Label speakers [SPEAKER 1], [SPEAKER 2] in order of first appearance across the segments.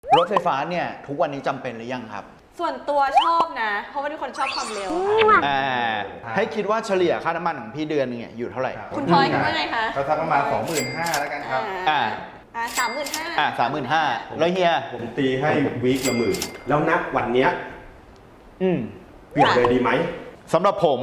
[SPEAKER 1] รถไฟฟ้าเนี่ยทุกวันนี้จำเป็นหรือยังครับ
[SPEAKER 2] ส่วนตัวชอบนะเพราะว่าเป็นคนชอบความเร็ว
[SPEAKER 1] ให้คิดว่าเฉลี่ยค่าน้ำมันของพี่เดือนนึงเนี่ยอยู่เท่าไหร่
[SPEAKER 2] คุณพลอยคิดว่าไงคะ
[SPEAKER 3] ก็สักประมาณ 25,000แล้วกันครับ
[SPEAKER 2] 35,000
[SPEAKER 1] 35,000แล้วเฮีย
[SPEAKER 4] ผมตีให้วีคละหมื่นแล้วนับวันเนี้ยเปลี่ยนเลยดีไหม
[SPEAKER 1] สำหรับผม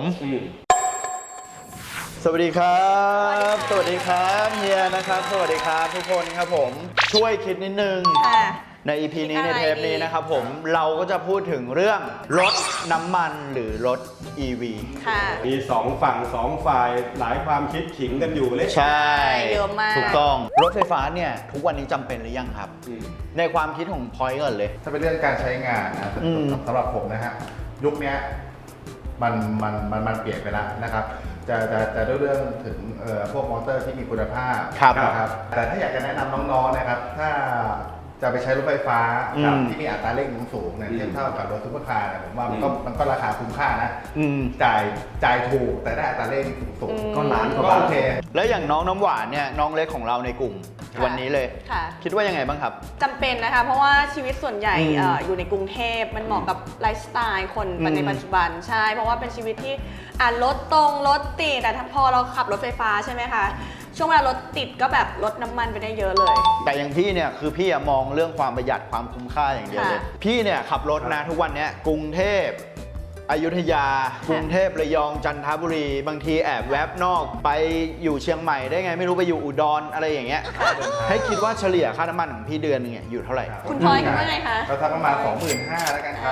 [SPEAKER 1] สวัสดีครับสวัสดีครับเฮียนะครับสวัสดีครับทุกคนครับผมช่วยคิดนิดนึงใน EP นี้ในเทปนี้นะครับผมเราก็จะพูดถึงเรื่องรถน้ำมันหรือรถ EV
[SPEAKER 4] มี2ฝั่ง2ฝ่ายหลายความคิดขิงกันอยู่เลย
[SPEAKER 1] ใช่
[SPEAKER 2] เยอะมาก
[SPEAKER 1] ถูกต้องรถไฟฟ้าเนี่ยทุกวันนี้จำเป็นหรือยังครับในความคิดของพอยต์ก่อนเลย
[SPEAKER 3] ถ้าเป็นเรื่องการใช้งานนะสำหรับผมนะฮะยุคนี้มันเปลี่ยนไปแล้วนะครับจะเรื่องถึงพวกมอเตอร์ที่มีคุณภาพนะครับแต่ถ้าอยากจะแนะนำน้องๆนะครับถ้าจะไปใช้รถไฟฟ้าที่มีอัตราเร่งสูงเนี่ยเทียบเท่ากับรถซุปเปอร์คาร์เนี่ยผมว่ามันก็ราคาคุ้มค่านะจ่ายถูกแต่ได้อัตราเร่งสูงก็ล้านก็โอเค
[SPEAKER 1] แล้วอย่างน้องน้ำหวานเนี่ยน้องเล็กของเราในกลุ่มวันนี้เลยคิดว่ายังไงบ้างครับ
[SPEAKER 2] จำเป็นนะคะเพราะว่าชีวิตส่วนใหญ่อยู่ในกรุงเทพมันเหมาะกับไลฟ์สไตล์คนในปัจจุบันใช่เพราะว่าเป็นชีวิตที่รถตรงรถติดแต่พอเราขับรถไฟฟ้าใช่ไหมคะช่วงเวลารถติดก็แบบลดน้ำมันไปได้เยอะเลย
[SPEAKER 1] แต่อย่างพี่เนี่ยคือพี่มองเรื่องความประหยัดความคุ้มค่าอย่างเดียวเลยพี่เนี่ยขับรถนะทุกวันนี้กรุงเทพอยุธยากรุงเทพระยองจันทบุรีบางทีแอบแวบนอกไปอยู่เชียงใหม่ได้ไงไม่รู้ไปอยู่อุดรอะไรอย่างเงี้ยให้คิดว่าเฉลี่ยค่าน้ำมันของพี่เดือนนึงเนี่ยอยู่เท่าไหร่
[SPEAKER 2] คุณพลอยคิดว่าไงคะ
[SPEAKER 3] ก็สักประมาณ 25,000แล้วกันครับ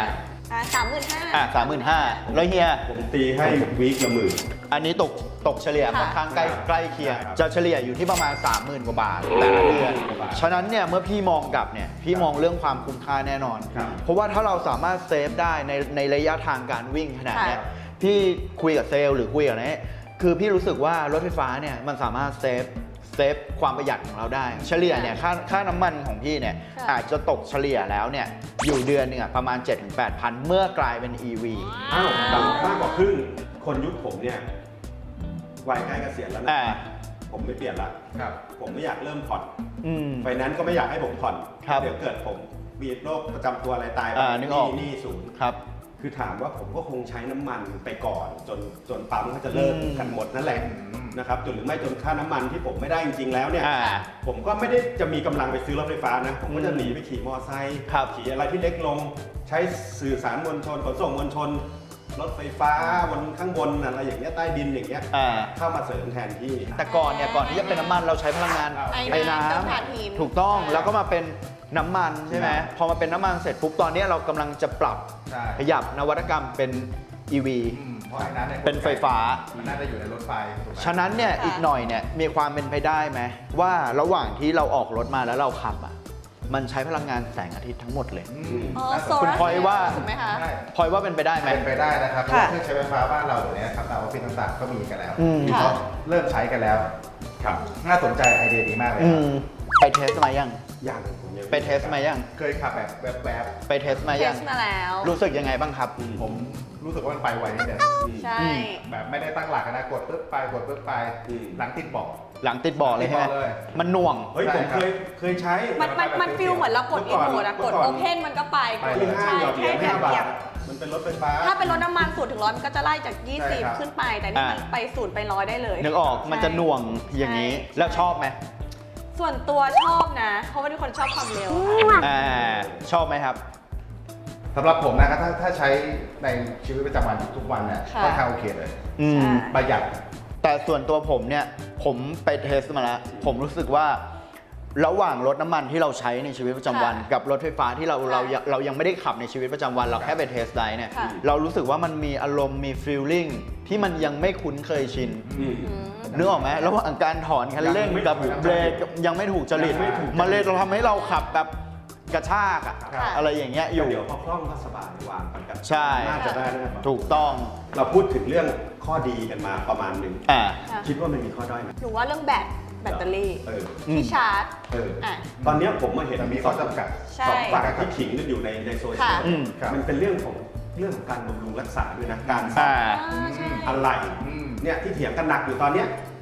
[SPEAKER 2] 35,000
[SPEAKER 1] แล้วเฮีย
[SPEAKER 4] ผมตีให้วีคละหมื่น
[SPEAKER 1] อันนี้ตกเฉลี่ยค่อนข้างใกล้เคียงจะเฉลี่ยอยู่ที่ประมาณ 30,000 กว่าบาทแต่ละเดือนฉะนั้นเนี่ยเมื่อพี่มองกลับเนี่ยพี่มองเรื่องความคุ้มค่าแน่นอนเพราะว่าถ้าเราสามารถเซฟได้ในระยะทางการวิ่งขนาดนี้พี่คุยกับเซลล์หรือคุยกับนี้คือพี่รู้สึกว่ารถไฟฟ้าเนี่ยมันสามารถเซฟความประหยัดของเราได้เฉลี่ยเนี่ยค่าน้ำมันของพี่เนี่ยอาจจะตกเฉลี่ยแล้วเนี่ยอยู่เดือนนึงประมาณ 7-8,000 เมื่อกลายเป็น EV
[SPEAKER 4] ต่ำมากกว่าครึ่งคนยุคผมเนี่ยวัยใกล้เกษียณแล้วนะผมไม่เปลี่ยนละผมไม่อยากเริ่มผ่อนไฟแนนซ์ก็ไม่อยากให้ผมผ่อนเดี๋ยวเกิดผมมีโรคประจำตัวอะไรตายไปนี่ศูนย์คือถามว่าผมก็คงใช้น้ำมันไปก่อนจนปั๊มเขาจะเลิกกันหมดนั่นแหละนะครับหรือไม่จนค่าน้ำมันที่ผมไม่ได้จริงๆแล้วเนี่ยผมก็ไม่ได้จะมีกำลังไปซื้อรถไฟฟ้านะผมก็จะหนีไปขี่มอเตอร์ไซค์ขี่อะไรที่เล็กลงใช้สื่อสารมวลชนขนส่งมวลชนรถไฟฟ้าบนข้างบนอะไรอย่างเงี้ยใต้ดินอย่างเงี้ยเข้ามาเสริมแทนที่
[SPEAKER 1] แต่ก่อนที่จะเป็นน้ำมันเราใช้พลังงานไอ้น้ำถูกต้องแล้วก็มาเป็นน้ำมันใช่ไหมพอมาเป็นน้ำมันเสร็จปุ๊บตอนนี้เรากำลังจะปรับขยับนวัตกรรมเป็น EV เป็นไฟฟ้า
[SPEAKER 3] มันน่าจะอยู่ในรถไฟ
[SPEAKER 1] ฉะนั้นเนี่ยอีกหน่อยเนี่ยมีความเป็นไปได้ไหมว่าระหว่างที่เราออกรถมาแล้วเราขับมันใช้พลังงานแสงอาทิตย์ทั้งหมดเลยคุณพลอยว่าพลอยว่าเป็นไปได้ไหม
[SPEAKER 3] เป็นไปได้นะครับเพราะเครื่องใช้ไฟฟ้าบ้านเราเนี่ยครับตามออฟฟิศต่างๆก็มีกันแล้วเขาเริ่มใช้กันแล้วครับน่าสนใจไอเดียดีมากเลย
[SPEAKER 1] ไปเทสมายังไปเทสมายัง
[SPEAKER 3] เคยขับแบบแวบ
[SPEAKER 1] ๆไปเทสมายัง
[SPEAKER 2] แล้ว
[SPEAKER 1] รู้สึกยังไงบ้างครับ
[SPEAKER 3] ผมรู้สึกว่ามันไปไวนิดเดียว
[SPEAKER 2] ใช่
[SPEAKER 3] แบบไม่ได้ตั้งหลักนะกดปึ๊บไปหลังติดเบาะ
[SPEAKER 1] เลยใช่ไหมมันหน่วง
[SPEAKER 4] เฮ้ยผมเคยใช้
[SPEAKER 2] มันฟีลเหมือนเรากดอีโมดกดโอเพนมันก็ไป
[SPEAKER 4] ใช่แค่เหยียบมันเป็นรถไฟฟ้า
[SPEAKER 2] ถ้าเป็นรถน้ำมัน0 ถึง 100มันก็จะไล่จาก20ขึ้นไปแต่นี่มันไป0 ไป 100ได้เลย
[SPEAKER 1] นึกออกมันจะหน่วงอย่างนี้แล้วชอบไหม
[SPEAKER 2] ส่วนตัวชอบนะเพราะว่าเป็นคนชอบความเร็ว
[SPEAKER 1] ชอบไหมครับ
[SPEAKER 3] สำหรับผมนะครับถ้าใช้ในชีวิตประจำวันทุกวันเนี่ยค่อนข้างโอเคเลยประหยัด
[SPEAKER 1] แต่ส่วนตัวผมเนี่ยผมไปเทสมาแล้วผมรู้สึกว่าระหว่างรถน้ำมันที่เราใช้ในชีวิตประจำวันกับรถไฟฟ้าที่เรายังไม่ได้ขับในชีวิตประจำวันเราแค่ไปเทสได้เนี่ยเรารู้สึกว่ามันมีอารมณ์มีฟีลลิ่งที่มันยังไม่คุ้นเคยชินนึกออกไหมระหว่างการถอนคันเร่งกับเบรกยังไม่ถูกจริตมันเลยเราทำให้เราขับแบบกระชากอะไรอย่างเงี้ยอยู่
[SPEAKER 4] เดี๋ยวพอคล่องก็สบายวางกัน
[SPEAKER 1] ใช่
[SPEAKER 4] น่าจะได้
[SPEAKER 1] ถูกต้อง
[SPEAKER 4] เราพูดถึงเรื่องข้อดีกันมาประมาณหนึ่งคิดว่ามันมีข้อด้อยไหม
[SPEAKER 2] หรือว่าเรื่องแบตเตอรี่ที่ชาร์จ
[SPEAKER 4] ตอนนี้ผมมาเห็น
[SPEAKER 3] มีข้อจำกัด
[SPEAKER 4] สองฝั่งที่ขิงกันอยู่ในโซเชียลมันเป็นเรื่องของการบำรุงรักษาด้วยนะการซ่อมอะไรเนี่ยที่เถียงกันหนักอยู่ตอนเนี้ย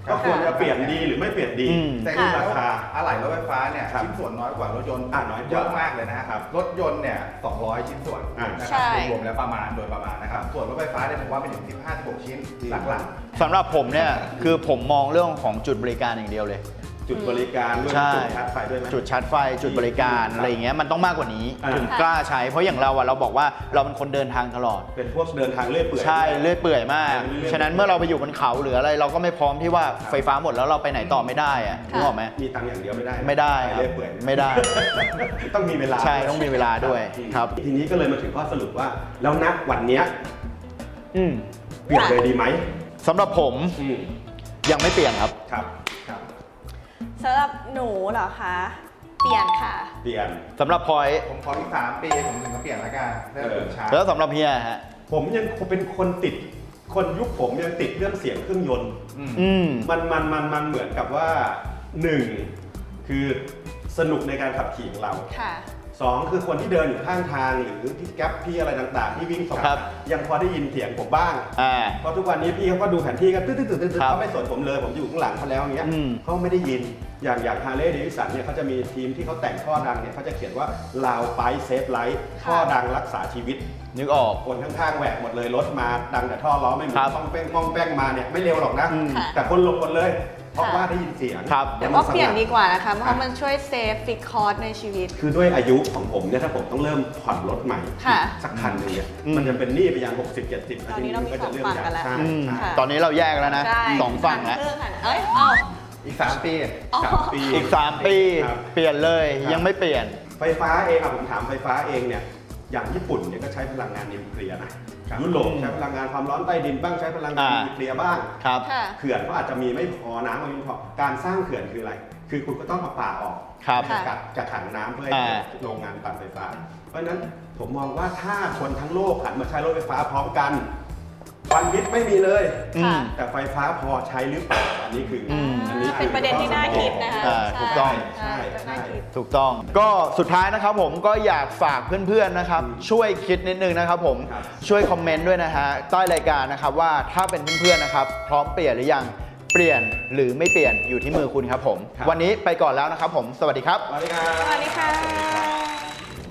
[SPEAKER 4] ก็ควรจะเปลี่ยนดีหรือไม่เปลี่ยนดี
[SPEAKER 3] แต่
[SPEAKER 4] ขึ้น
[SPEAKER 3] รา
[SPEAKER 4] รา
[SPEAKER 3] คา
[SPEAKER 4] คา
[SPEAKER 3] อะไหล่รถไฟฟ้าเนี่ย
[SPEAKER 4] ครับ
[SPEAKER 3] ชิ้นส่วนน้อยกว่ารถยนต์
[SPEAKER 4] น้อยกว่า
[SPEAKER 3] เยอะมากเลยนะฮะ
[SPEAKER 4] ครับ
[SPEAKER 3] รถยนต์เนี่ย200 ชิ้นส่วน
[SPEAKER 4] ใ
[SPEAKER 3] นะค
[SPEAKER 2] ใช่
[SPEAKER 3] รับรวมๆแล้วประมาณโดยประมาณนะครับส่วนรถไฟฟ้าเนี่ยผมว่าเป็นถึง15-16 ชิ้นหลัก
[SPEAKER 1] สำหรับผมเนี่ยคือผมมองเรื่องของจุดบริการอย่างเดียวเลย
[SPEAKER 4] จุดบริการด้วย
[SPEAKER 1] ใช่
[SPEAKER 4] จุดชาร์จไฟด้วยไหม
[SPEAKER 1] จุดชาร์จไฟจุดบริการอะไรอย่างเงี้ยมันต้องมากกว่านี้
[SPEAKER 4] อ่า
[SPEAKER 1] ถึงกล้าใช้เพราะอย่างเราอะเราบอกว่าเราเป็นคนเดินทางตลอด
[SPEAKER 4] เป็นพวกเดินทางเรื่อยเปื่อย
[SPEAKER 1] ใช่เลื่อยเปื่อยมาก
[SPEAKER 4] เรื่อยๆ
[SPEAKER 1] ฉะนั้นเมื่อเราไปอยู่บนเขาหรืออะไรเราก็ไม่พร้อมที่ว่าไฟฟ้าหมดแล้วเราไปไหนต่อไม่ได้อะนึกออกไหม
[SPEAKER 4] มีตังค์อย่างเดียวไม่ได้นะ
[SPEAKER 1] ไม่ได้ครับ
[SPEAKER 4] เรื่อยเปื่อย
[SPEAKER 1] ไม่ได้
[SPEAKER 4] ต้องมีเวลา
[SPEAKER 1] ใช่ต้องมีเวลาด้วยครับ
[SPEAKER 4] ทีนี้ก็เลยมาถึงข้อสรุปว่า แล้วณวันเนี้ย
[SPEAKER 1] อืม
[SPEAKER 4] เปลี่ยนเลยดีไหม
[SPEAKER 1] สำหรับผม
[SPEAKER 4] อืม
[SPEAKER 1] ยังไม่เปลี่ยนครับ
[SPEAKER 4] ครับ
[SPEAKER 2] สำหรับหนูเหรอคะ เปลี่ยนค่ะ
[SPEAKER 4] เปลี่ยน
[SPEAKER 1] สำหรับพลอย
[SPEAKER 3] ๆ ผมขออีก3 ปีผมถึงจะเปลี่ยนละกันเรื่องชาร์จ
[SPEAKER 1] แล้วสำหรับเฮียฮะ
[SPEAKER 4] ผมยังเป็นคนติด คนยุคผมยังติดเรื่องเสียงเครื่องยนต์
[SPEAKER 1] อืม
[SPEAKER 4] มันเหมือนกับว่าหนึ่งคือสนุกในการขับขี่ของเรา
[SPEAKER 2] ค่ะ
[SPEAKER 4] สองคือคนที่เดินอยู่ข้างทางหรือที่แก๊ปพี่อะไรต่างๆ ที่วิ่งสอง
[SPEAKER 1] ครับ
[SPEAKER 4] ยังพอได้ยินเสียงผมบ้าง
[SPEAKER 1] อ่า
[SPEAKER 4] เพราะทุกวันนี้พี่เขาก็ดูแผนที่กันตึ๊ดๆๆ
[SPEAKER 1] ครับ
[SPEAKER 4] เขาไม่สนผมเลยผมอยู่ข้างหลังเขาแล้วอย่างเงี้ย
[SPEAKER 1] อืม
[SPEAKER 4] เขาไม่ได้ยินอย่างฮาร์เลย์เดวิสันเนี่ยเขาจะมีทีมที่เขาแต่งท่อดังเนี่ยเขาจะเขียนว่าลาวไปเซฟไลท์ท่อดังรักษาชีวิต
[SPEAKER 1] นึกออก
[SPEAKER 4] คนข้างๆแหวกหมดเลยรถมาดังแต่ท่อล้อไม่หมุ
[SPEAKER 1] ครั
[SPEAKER 4] น
[SPEAKER 1] บ
[SPEAKER 4] ป้องแป้งมาเนี่ยไม่เร็วหรอกนะ
[SPEAKER 1] อืม
[SPEAKER 4] แต่คนหลบหมดเลย เพราะว่าได้ยินเสียง
[SPEAKER 1] ครับ
[SPEAKER 2] แต่ว่าเปลี่ยนดีกว่านะคะ เพราะมันช่วยเซฟฟิกคอร์สในชีวิต
[SPEAKER 4] คือด้วยอายุของผมเนี่ยถ้าผมต้องเริ่มผ่อนรถใหม่
[SPEAKER 2] ค่ะ
[SPEAKER 4] สักคันหนึงเนี่ย
[SPEAKER 1] อืม
[SPEAKER 4] มันจะเป็นหนี้ไปยัง60-70
[SPEAKER 2] ตอนนี้เรามี
[SPEAKER 4] ก็จะเริ่
[SPEAKER 2] สองฝั่งกันแล้ว
[SPEAKER 4] ใช่
[SPEAKER 1] อืม
[SPEAKER 4] ใช่
[SPEAKER 1] ตอนนี้เราแยกแล้วนะ
[SPEAKER 2] ใช่
[SPEAKER 1] สองฝั่งแล้ว
[SPEAKER 2] ครึ่ค่ะเอ้ยเอา
[SPEAKER 3] อีก3 ปี
[SPEAKER 2] อ๋อ
[SPEAKER 4] 3 ปี
[SPEAKER 1] อีก 3 ปี
[SPEAKER 4] ครับ
[SPEAKER 1] เปลี่ยนเลย
[SPEAKER 4] ครับ
[SPEAKER 1] ยังไม่เปลี่ยน
[SPEAKER 4] ไฟฟ้าเองผมถามไฟฟ้าเองเนี่ยอย่างญี่ปุ่นเนี่ยก็ใช้พลังงานนิวเคลียร์นะยุโรปใช้พลังงานความร้อนใต้ดินบ้างใช้พลังงาน
[SPEAKER 1] อ่า
[SPEAKER 4] นิวเคลียร์บ้าง
[SPEAKER 1] ครับ
[SPEAKER 2] ค่ะ
[SPEAKER 4] เขื่อนก็อาจจะมีไม่พอน้ำก็ไม่พอการสร้างเขื่อนคืออะไร คือคุณก็ต้องเอาป่าออก
[SPEAKER 1] ครับ
[SPEAKER 4] จากขังน้ำเพื่อให้เกิดโรงงานปั่นไฟฟ้า เพราะฉะนั้นผมมองว่าถ้าคนทั้งโลกหันมาใช้รถไฟฟ้าพร้อมกันควันพิษไม่มีเลย
[SPEAKER 1] อืม
[SPEAKER 4] แต่ไฟฟ้าพอใช้หรือเปล่าอันนี้คือ
[SPEAKER 1] ม
[SPEAKER 2] เป็นประเด็นที่น่าคิดนะคะ
[SPEAKER 1] ถูกต้อง
[SPEAKER 2] ใช่น่าคิด
[SPEAKER 1] ถูกต้อง ก็สุดท้ายนะครับผมก็อยากฝากเพื่อนๆนะครับ ช่วยคิดนิดนึงนะครับผม
[SPEAKER 4] ครับ
[SPEAKER 1] ช่วยคอมเมนต์ด้วยนะฮะใต้รายการนะครับว่าถ้าเป็นเพื่อนๆนะครับ พร้อมเปลี่ยนหรือยังเปลี่ยนหรือไม่เปลี่ยนอยู่ที่มือคุณครับผม วันนี้ไปก่อนแล้วนะครับผม สวัสดีครับ
[SPEAKER 4] สวัสดีครับ
[SPEAKER 2] สวัสดีค่ะ